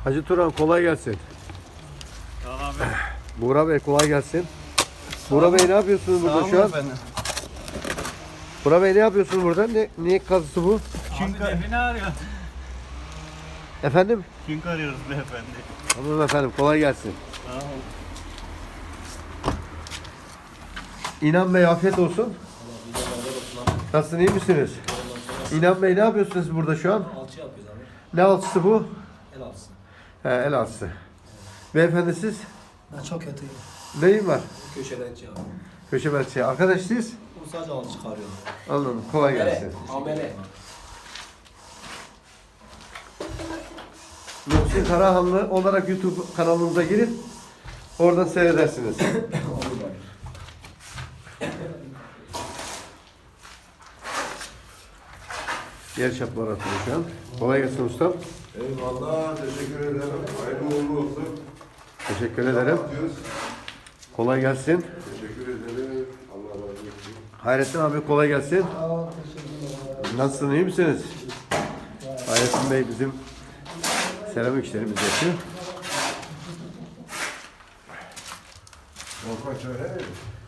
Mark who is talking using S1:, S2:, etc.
S1: Hacı Turan kolay gelsin.
S2: Tamam abi.
S1: Buğra Bey kolay gelsin. Buğra Bey ne yapıyorsunuz burada şu an? Buğra Bey ne yapıyorsunuz burada? Ne kazısı bu?
S2: Çünkü ne arıyor?
S1: Efendim?
S2: Çünkü arıyoruz beyefendi.
S1: Tamam efendim kolay gelsin.
S2: Tamam.
S1: İnan Bey afiyet olsun. Nasılsın iyi misiniz? İnan Bey ne yapıyorsunuz burada şu an?
S3: Alçı yapıyoruz abi.
S1: Ne alçısı bu?
S3: El alçısı.
S1: He, el alçısı. Beyefendi siz?
S3: Ben çok kötüyüm.
S1: Neyin var?
S3: Köşebenci abi.
S1: Köşe belçi. Arkadaş siz?
S3: Bu sadece alçı çıkarıyorum.
S1: Anladım. Kolay gelsin.
S3: Amele.
S1: Muhsin Karahanlı olarak YouTube kanalımıza girin. Oradan seyredersiniz. Yer çapları atıyor şu an. Kolay gelsin ustam.
S4: Eyvallah, teşekkür ederim. Hayırlı uğurlu olsun.
S1: Teşekkür ederim.
S4: Atıyoruz.
S1: Kolay gelsin.
S4: Teşekkür ederim. Allah razı olsun.
S1: Hayrettin abi kolay gelsin. Nasılsın iyi misiniz? Hayrettin Bey bizim seramik işlerimiz yapıyor.
S4: Volkan söyle.